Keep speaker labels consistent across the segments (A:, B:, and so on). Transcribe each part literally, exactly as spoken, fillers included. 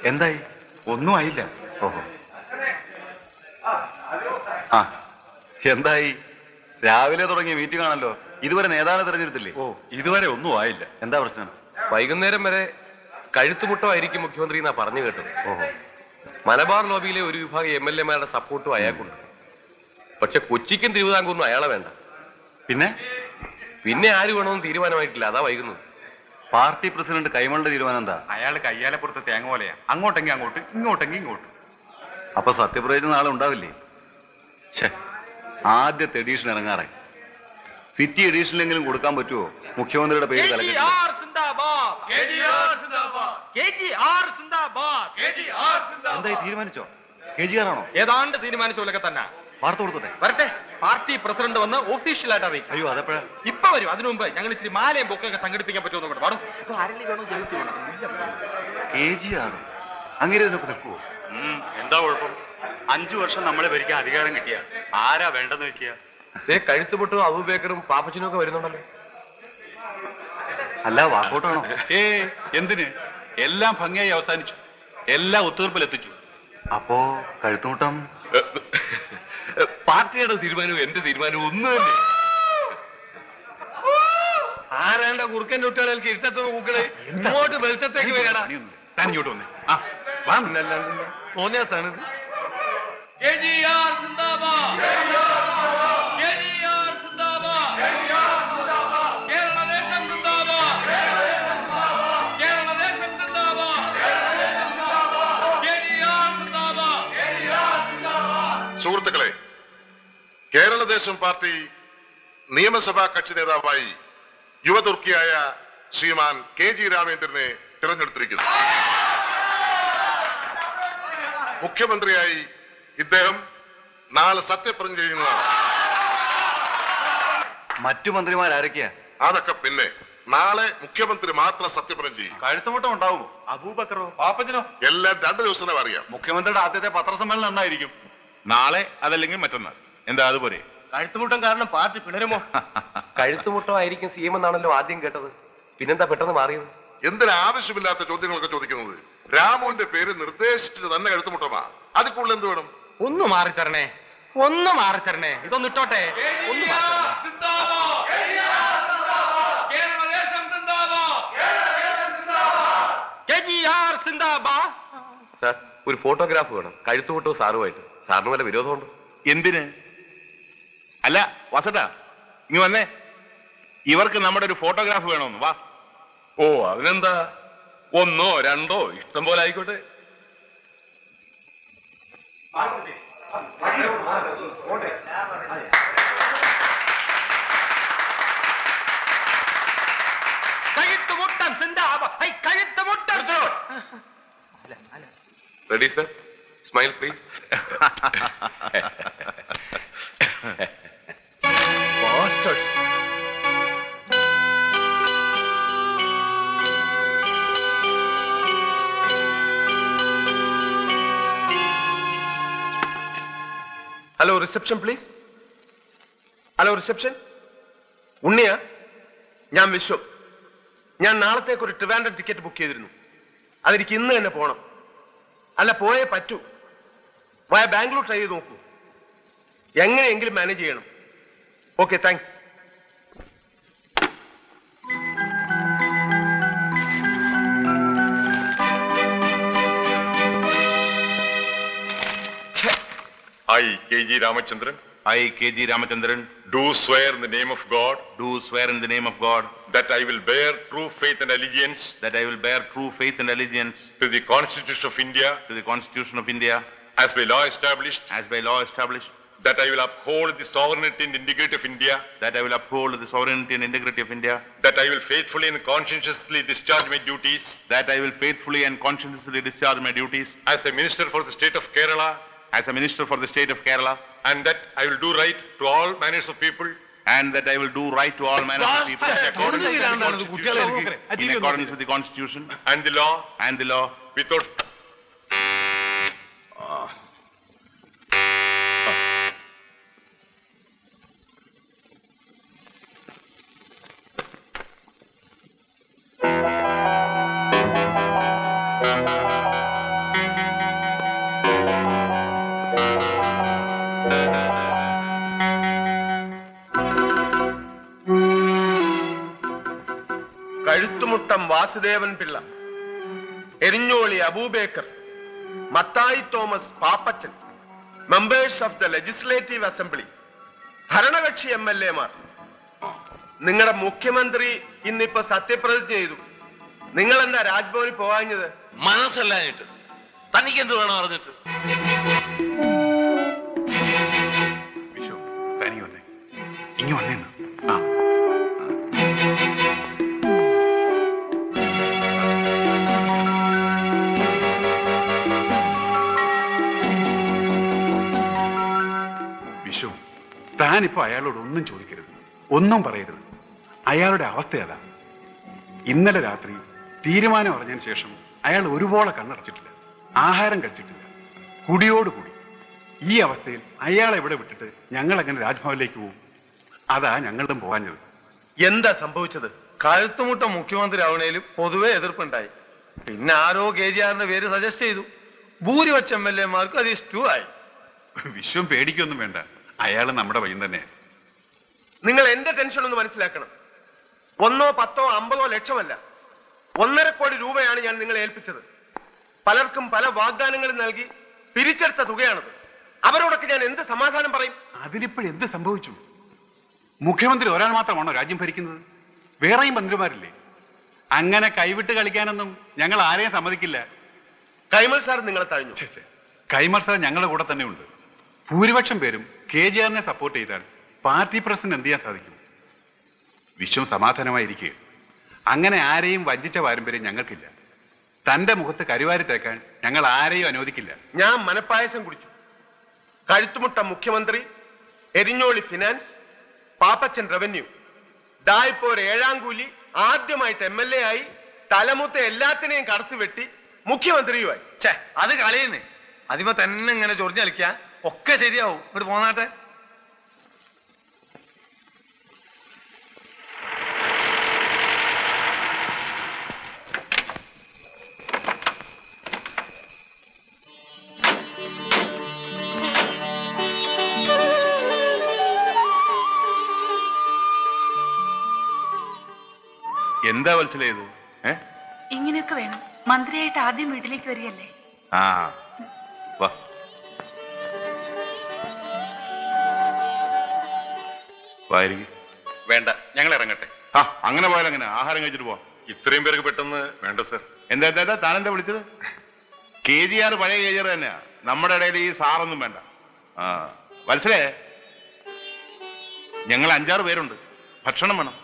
A: എന്തായി? ഒന്നും ആയില്ല. ഓഹോ. ആ എന്തായി? രാവിലെ തുടങ്ങിയ മീറ്റിംഗ് ആണല്ലോ. ഇതുവരെ നേതാവിനെ തെരഞ്ഞെടുത്തില്ലേ? ഓ, ഇതുവരെ ഒന്നും ആയില്ല. എന്താ പ്രശ്നം?
B: വൈകുന്നേരം വരെ കഴുത്തുമുട്ടമായിരിക്കും മുഖ്യമന്ത്രി എന്നാ പറഞ്ഞു കേട്ടത്.
A: ഓഹോ.
B: മലബാർ ലോബിയിലെ ഒരു വിഭാഗം എം എൽ എമാരുടെ സപ്പോർട്ടും അയാൾക്കുണ്ട്. പക്ഷെ കൊച്ചിക്കും തിരുവിതാംകൂറിനും അയാളെ വേണ്ട.
A: പിന്നെ
B: പിന്നെ ആര് വേണമെന്ന് തീരുമാനമായിട്ടില്ല. അതാ വൈകുന്നത്.
A: പാർട്ടി പ്രസിഡന്റ് കൈമളുടെ തീരുമാനം എന്താ?
C: അയാൾ കയ്യാലപ്പുറത്ത് തേങ്ങ പോലെയാ. അങ്ങോട്ടെങ്കിൽ അങ്ങോട്ട്, ഇങ്ങോട്ടെങ്കിൽ ഇങ്ങോട്ട്.
A: അപ്പൊ സത്യപ്രതിജ്ഞ നാളെ ഉണ്ടാവില്ലേ? ഛേ, ആദ്യത്തെ എഡീഷൻ ഇറങ്ങാറായി. സിറ്റി എഡീഷനിലെങ്കിലും കൊടുക്കാൻ പറ്റുമോ? മുഖ്യമന്ത്രിയുടെ പേര് എന്തായി? തീരുമാനിച്ചോ? കെ ജി ആർ ആണോ?
B: ഏതാണ്ട് തീരുമാനിച്ച പോലൊക്കെ തന്നെ.
A: വാർത്ത കൊടുത്തോട്ടെ.
B: വരട്ടെ, പാർട്ടി പ്രസിഡന്റ് വന്ന് ഒഫീഷ്യലായിട്ട് അറിയിക്കും.
A: അയ്യോ, അതെപ്പോഴാ?
B: ഇപ്പൊ വരും. അതിനു മുമ്പ് ഞങ്ങൾ ഇച്ചിരി മാലയും ബൊക്കൊക്കെ സംഘടിപ്പിക്കാൻ പറ്റുമെന്ന് കൂടെ പാടും.
A: കെ ജി ആറോ? അങ്ങനെ ഇതിനൊക്കെ നിൽക്കുവോ?
C: എന്താ കുഴപ്പം? അഞ്ചു വർഷം നമ്മളെ ഭരിക്കാൻ അധികാരം കിട്ടിയ ആരാ വേണ്ടെന്ന് വെക്കുക?
B: കഴുത്തുപൊട്ടും അബൂബക്കറും പാപ്പച്ചനും ഒക്കെ വരുന്നുണ്ടല്ലോ.
A: അല്ല, വാക്കൗട്ടാണോ?
C: ഏ എന്തിന്? എല്ലാം ഭംഗിയായി അവസാനിച്ചു. എല്ലാം ഒത്തുതീർപ്പിലെത്തിച്ചു.
A: അപ്പോ കഴുത്തുമുട്ടം
B: പാർട്ടിയുടെ തീരുമാനവും എന്റെ തീരുമാനവും ഒന്ന് തന്നെ. ആരാണ്ട കുറുക്കൻ കുട്ടികൾക്ക് ഇരുട്ടത്ത് കൂക്കളെ ഇങ്ങോട്ട് വെളിച്ചത്തേക്ക് വരാടാ.
C: താൻ ഇങ്ങോട്ട് വന്നേ. ആ
B: തോന്നിയ സ്ഥാനത്ത്
D: സുഹൃത്തുക്കളെ, കേരളദേശം പാർട്ടി നിയമസഭാ കക്ഷി നേതാവായി യുവതുർക്കിയായ ശ്രീമാൻ കെ ജി രാമേന്ദ്രനെ തിരഞ്ഞെടുത്തിരിക്കുന്നു. മുഖ്യമന്ത്രിയായി ഇദ്ദേഹം നാളെ സത്യപ്രതിജ്ഞ ചെയ്യുന്നതാണ്.
A: മറ്റു മന്ത്രിമാരാരൊക്കെയാ?
D: അതൊക്കെ പിന്നെ. നാളെ മുഖ്യമന്ത്രി മാത്രം സത്യപ്രതിജ്ഞ ചെയ്യും.
C: കഴുത്തുമുട്ടം ഉണ്ടാവുമോ? അബൂബക്കറോ പാപ്പച്ചനോ?
D: എല്ലാം രണ്ടു ദിവസം അറിയാം.
C: മുഖ്യമന്ത്രിയുടെ ആദ്യത്തെ പത്രസമ്മേളനം എന്നായിരിക്കും? നാളെ, അതല്ലെങ്കിൽ മറ്റന്നാൾ. എന്താ അതുപോലെ?
B: കഴുത്തുമുട്ടം കാരണം പാർട്ടി പിണരുമോ? കഴുത്തുമുട്ടമായിരിക്കും സി എം എന്നാണല്ലോ ആദ്യം കേട്ടത്. പിന്നെന്താ പെട്ടെന്ന് മാറിയത്?
D: എന്തിനാവശ്യമില്ലാത്ത ചോദ്യങ്ങളൊക്കെ ചോദിക്കുന്നത്? രാമുവിന്റെ പേര് നിർദ്ദേശിച്ചത് തന്നെ കഴുത്തുമുട്ടമാ. അതിൽ കൂടുതൽ എന്ത് വേണം?
B: ഒന്ന് മാറിത്തരണേ, ഒന്ന് മാറിത്തരണേ. ഇതൊന്ന് ഇട്ടോട്ടെ. ഒന്ന് സാർ, ഒരു ഫോട്ടോഗ്രാഫ് വേണം. കഴുത്തുമുട്ടോ സാറുമായിട്ട്. സാറിന് വല്ല വിരോധമുണ്ട്?
C: എന്തിന്? അല്ല വസട്ടാ, ഇങ്ങ് വന്നേ. ഇവർക്ക് നമ്മുടെ ഒരു ഫോട്ടോഗ്രാഫ് വേണമെന്ന്. വാ.
B: ഓ, അതിനെന്താ? ഒന്നോ രണ്ടോ ഇഷ്ടം പോലെ ആയിക്കോട്ടെ. Ready sir? Smile please. Hello reception please. Hello reception. ഉണ്ണിയാ? ഞാൻ വിശ്വം. ഞാൻ നാളത്തേക്ക് ഒരു ട്രിവാൻഡ്രം ടിക്കറ്റ് ബുക്ക് ചെയ്തിരുന്നു. അതെനിക്ക് ഇന്ന് തന്നെ പോണം. അല്ല, പോയേ പറ്റൂ. വയ ബാംഗ്ലൂർ ട്രൈ ചെയ്ത് നോക്കൂ. എങ്ങനെയെങ്കിലും മാനേജ് ചെയ്യണം. Okay, thanks.
D: I, K G Ramachandran,
C: I, K G Ramachandran,
D: do swear in the name of God
C: do swear in the name of God
D: that I will bear true faith and allegiance
C: that I will bear true faith and allegiance
D: to the Constitution of India
C: to the Constitution of India
D: as by law established,
C: as by law established,
D: that I will uphold the sovereignty and integrity of India,
C: that I will uphold the sovereignty and integrity of India,
D: that I will faithfully and conscientiously discharge my duties
C: that I will faithfully and conscientiously discharge my duties
D: as a minister for the state of Kerala,
C: as a minister for the state of Kerala,
D: and that I will do right to all manners of people,
C: and that I will do right to all manners of people in accordance with the Constitution, in accordance with the Constitution
D: and the law,
C: and the law,
D: without
B: Kazhuthumuttam Vasudevan Pillai, Erinjoli Aboobacker, Mathai Thomas Pappachan, members of the legislative assembly, ഭരണകക്ഷി M L എമാർ. നിങ്ങളുടെ മുഖ്യമന്ത്രി ഇന്നിപ്പോ സത്യപ്രതിജ്ഞ ചെയ്തു. നിങ്ങൾ എന്താ രാജ്ഭവനിൽ പോകാഞ്ഞത്?
E: മനസ്സല്ലാഞ്ഞിട്ട്. തനിക്ക് എന്ത് വേണം അറിഞ്ഞിട്ട്?
A: വിഷു തനി വന്നേ, ഇനി വന്നേന്ന്. ആ വിഷു, താനിപ്പോ അയാളോട് ഒന്നും ചോദിക്കരുത്, ഒന്നും പറയരുത്. അയാളുടെ അവസ്ഥ അതാ. ഇന്നലെ രാത്രി തീരുമാനം അറിഞ്ഞതിന് ശേഷം അയാൾ ഒരുപോലെ കണ്ണടച്ചിട്ടില്ല, ആഹാരം കഴിച്ചിട്ടില്ല, കുടിയോടുകൂടി. ഈ അവസ്ഥയിൽ അയാളെ എവിടെ വിട്ടിട്ട് ഞങ്ങൾ എങ്ങനെ രാജ്ഭവനിലേക്ക് പോകും? അതാ ഞങ്ങളും പോകാഞ്ഞത്.
B: എന്താ സംഭവിച്ചത്? കഴുത്തുമുട്ട മുഖ്യമന്ത്രി ആവണേലും പൊതുവെ എതിർപ്പുണ്ടായി. പിന്നെ ആരോ കെ ജി ആറിന്റെ പേര് സജസ്റ്റ് ചെയ്തു. ഭൂരിപക്ഷ എം എൽ എമാർക്ക് അത് ഇഷ്ടു ആയി.
A: വിശ്വം പേടിക്കൊന്നും വേണ്ട, അയാൾ നമ്മുടെ വയ്യം തന്നെ.
B: നിങ്ങൾ എന്റെ ടെൻഷൻ ഒന്ന് മനസ്സിലാക്കണം. ഒന്നോ പത്തോ അമ്പതോ ലക്ഷമല്ല, ഒന്നര കോടി രൂപയാണ് ഞാൻ നിങ്ങളെ ഏൽപ്പിച്ചത്. പലർക്കും പല വാഗ്ദാനങ്ങളും നൽകി പിരിച്ചെടുത്ത തുകയാണത്. അവരോടൊക്കെ ഞാൻ എന്ത് സമാധാനം പറയും?
A: അതിലിപ്പോഴെന്ത് സംഭവിച്ചു? മുഖ്യമന്ത്രി ഒരാൾ മാത്രമാണോ രാജ്യം ഭരിക്കുന്നത്? വേറെയും മന്ത്രിമാരില്ലേ? അങ്ങനെ കൈവിട്ട് കളിക്കാനൊന്നും ഞങ്ങൾ ആരെയും സമ്മതിക്കില്ല.
B: കൈമൾ സാർ നിങ്ങളെ തഴഞ്ഞു.
A: കൈമൾ സാർ ഞങ്ങളുടെ കൂടെ തന്നെ ഉണ്ട്. ഭൂരിപക്ഷം പേരും കെ ജി ആറിനെ സപ്പോർട്ട് ചെയ്താൽ പാർട്ടി പ്രസിഡന്റ് എന്ത് ചെയ്യാൻ സാധിക്കും? വിശ്വം സമാധാനമായിരിക്കുക. അങ്ങനെ ആരെയും വഞ്ചിച്ച പാരമ്പര്യം ഞങ്ങൾക്കില്ല. തന്റെ മുഖത്ത് കരിവാരി തേക്കാൻ ഞങ്ങൾ ആരെയും അനുവദിക്കില്ല.
B: ഞാൻ മനപ്പായസം കുടിച്ചു. കഴുത്തുമുട്ട മുഖ്യമന്ത്രി, എരിഞ്ഞോളി ഫിനാൻസ്, പാപ്പച്ചൻ റവന്യൂ, ദാ ഇപ്പോ ഒരു ഏഴാം കൂലി ആദ്യമായിട്ട് എം എൽ എ ആയി, തലമുത്ത എല്ലാത്തിനെയും കടത്തിവെട്ടി മുഖ്യമന്ത്രിയുമായി.
F: ഛേ, അത് കളയുന്നേ. അതിമ തന്നെ ഇങ്ങനെ ചൊറിഞ്ഞ് കളിക്കാ ഒക്കെ ശരിയാവും. ഇങ്ങോട്ട് പോന്നാട്ടെ.
C: എന്താ മനസ്സിലായത്? ഏ
G: ഇങ്ങനെയൊക്കെ വേണം. മന്ത്രിയായിട്ട് ആദ്യം വീട്ടിലേക്ക് വരികയല്ലേ?
C: ആ വാ. വായിരിക്കും.
A: വേണ്ട, ഞങ്ങൾ ഇറങ്ങട്ടെ.
C: ആ അങ്ങനെ പോയാൽ അങ്ങനെ ആഹാരം കഴിച്ചിട്ട് പോവാം.
D: ഇത്രയും പേർക്ക് പെട്ടെന്ന് വേണ്ട സർ.
C: എന്താ എന്താ താനെന്താ വിളിച്ചത്? കെ ജി ആർ പഴയ കെ ജി ആർ തന്നെയാ. നമ്മുടെ ഇടയിൽ ഈ സാറൊന്നും വേണ്ട. ആ വത്സലേ, ഞങ്ങൾ അഞ്ചാറ് പേരുണ്ട്. ഭക്ഷണം വേണം.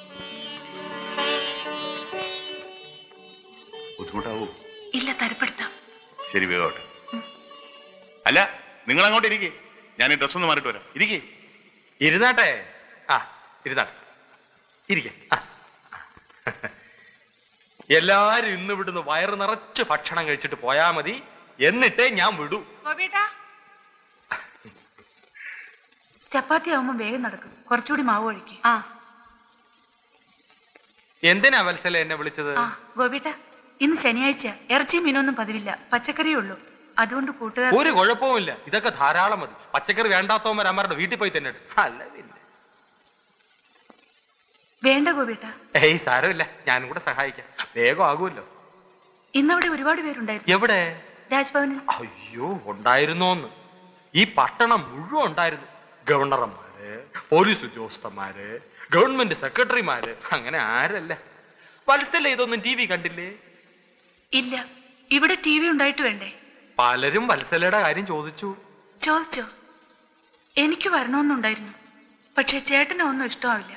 C: ബുദ്ധിമുട്ടാവൂ?
G: ഇല്ല, തരപ്പെടുത്താം.
C: ശരി, വേഗോട്ടെ. അല്ല, നിങ്ങൾ അങ്ങോട്ട് ഇരിക്കേ, ഞാൻ ഈ ഡ്രസ് ഒന്ന് മാറിയിട്ട് വരാം. ഇരിക്കേ.
F: ഇരുന്നാട്ടെ. ആ ഇരുന്നാട്ടെ, ഇരിക്കെ. എല്ലാരും ഇന്ന് വിടുന്ന് വയറ് നിറച്ച് ഭക്ഷണം കഴിച്ചിട്ട് പോയാ മതി, എന്നിട്ടേ ഞാൻ വിടൂ.
G: ചപ്പാത്തി ആവുമ്പോ വേഗം നടക്കും. കുറച്ചുകൂടി മാവ് ഒഴിക്കും. ആ
F: എന്തിനാ വത്സല എന്നെ വിളിച്ചത്?
G: ആ ഗോപിട്ട, ഇന്ന് ശനിയാഴ്ച ഇറച്ചി മീനൊന്നും പതിവില്ല, പച്ചക്കറിയേ ഉള്ളൂ. അതുകൊണ്ട് കൂട്ടുകാർ.
F: ഒരു കുഴപ്പവുമില്ല, ഇതൊക്കെ ധാരാളം മതി. പച്ചക്കറി വേണ്ടാത്തവന്മാർ അമ്മരുടെ വീട്ടിൽ പോയി തന്നെ. അല്ല പിന്നെ
G: വേണ്ട ഗോപിട്ട.
F: ഏയ് സാരമില്ല, ഞാനും കൂടെ സഹായിക്കാം. വേഗം ആകുമല്ലോ.
G: ഇന്നവിടെ ഒരുപാട് പേരുണ്ടായിരുന്നു.
F: എവിടെ?
G: രാജ്ഭവനിൽ.
F: അയ്യോ, ഉണ്ടായിരുന്നോന്ന്. ഈ പട്ടണം മുഴുവൻ ഉണ്ടായിരുന്നു. ഗവർണർമാര്, പോലീസ് ഉദ്യോഗസ്ഥന്മാര്, ഗവൺമെന്റ് സെക്രട്ടറിമാര്, അങ്ങനെ ആരല്ല. വത്സല ഇതൊന്നും ടി വി കണ്ടില്ലേ?
G: ഇല്ല, ഇവിടെ ടി വി ഉണ്ടായിട്ട് വേണ്ടേ?
F: പലരും വത്സലയുടെ കാര്യം ചോദിച്ചു.
G: ചോദിച്ചോ? എനിക്ക് വരണമെന്നുണ്ടായിരുന്നു, പക്ഷെ ചേട്ടനെ ഒന്നും ഇഷ്ടമാവില്ല.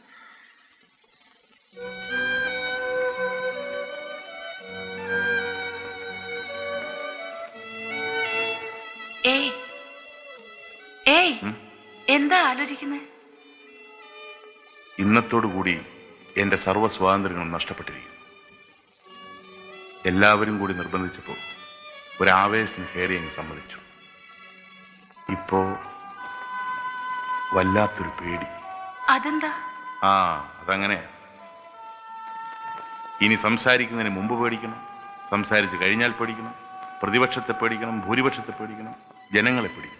G: ഏയ് ഏയ് എന്താ ആലോചിക്കുന്നത്?
C: ഇന്നത്തോടു കൂടി എന്റെ സർവ്വ സ്വാതന്ത്ര്യങ്ങളും നഷ്ടപ്പെട്ടിരിക്കും. എല്ലാവരും കൂടി നിർബന്ധിച്ചപ്പോൾ ഒരാവേശത്തിന് കയറി അങ്ങ് സമ്മതിച്ചു. ഇപ്പോ വല്ലാത്തൊരു പേടി.
G: അതെന്താ?
C: ആ അതങ്ങനെ. ഇനി സംസാരിക്കുന്നതിന് മുമ്പ് പേടിക്കണം, സംസാരിച്ച് കഴിഞ്ഞാൽ പേടിക്കണം, പ്രതിപക്ഷത്തെ പേടിക്കണം, ഭൂരിപക്ഷത്തെ പേടിക്കണം, ജനങ്ങളെ പേടിക്കണം.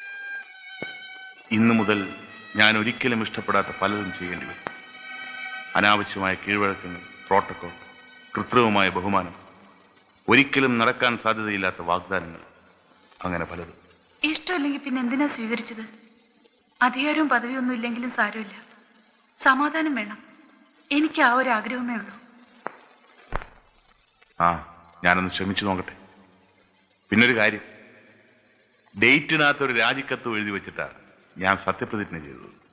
C: ഇന്നു മുതൽ ഞാൻ ഒരിക്കലും ഇഷ്ടപ്പെടാത്ത പലതും ചെയ്യേണ്ടി വരും. അനാവശ്യമായ കീഴ്വഴക്കങ്ങൾ, പ്രോട്ടോകോൾ, കൃത്രിമമായ ബഹുമാനം, ഒരിക്കലും നടക്കാൻ സാധ്യതയില്ലാത്ത വാഗ്ദാനങ്ങൾ, അങ്ങനെ പലതും.
G: ഇഷ്ടമില്ലെങ്കിൽ പിന്നെ എന്തിനാ സ്വീകരിച്ചത്? അധികാരവും പദവിയൊന്നും ഇല്ലെങ്കിലും സാരമില്ല, സമാധാനം വേണം. എനിക്ക് ആ ഒരു ആഗ്രഹമേ ഉള്ളൂ.
C: ആ, ഞാനൊന്ന് ശ്രമിച്ചു നോക്കട്ടെ. പിന്നൊരു കാര്യം, ഡേറ്റിനകത്ത് ഒരു രാജിക്കത്ത് എഴുതി വെച്ചിട്ടാണ് ഞാൻ സത്യപ്രതിജ്ഞ ചെയ്തത്.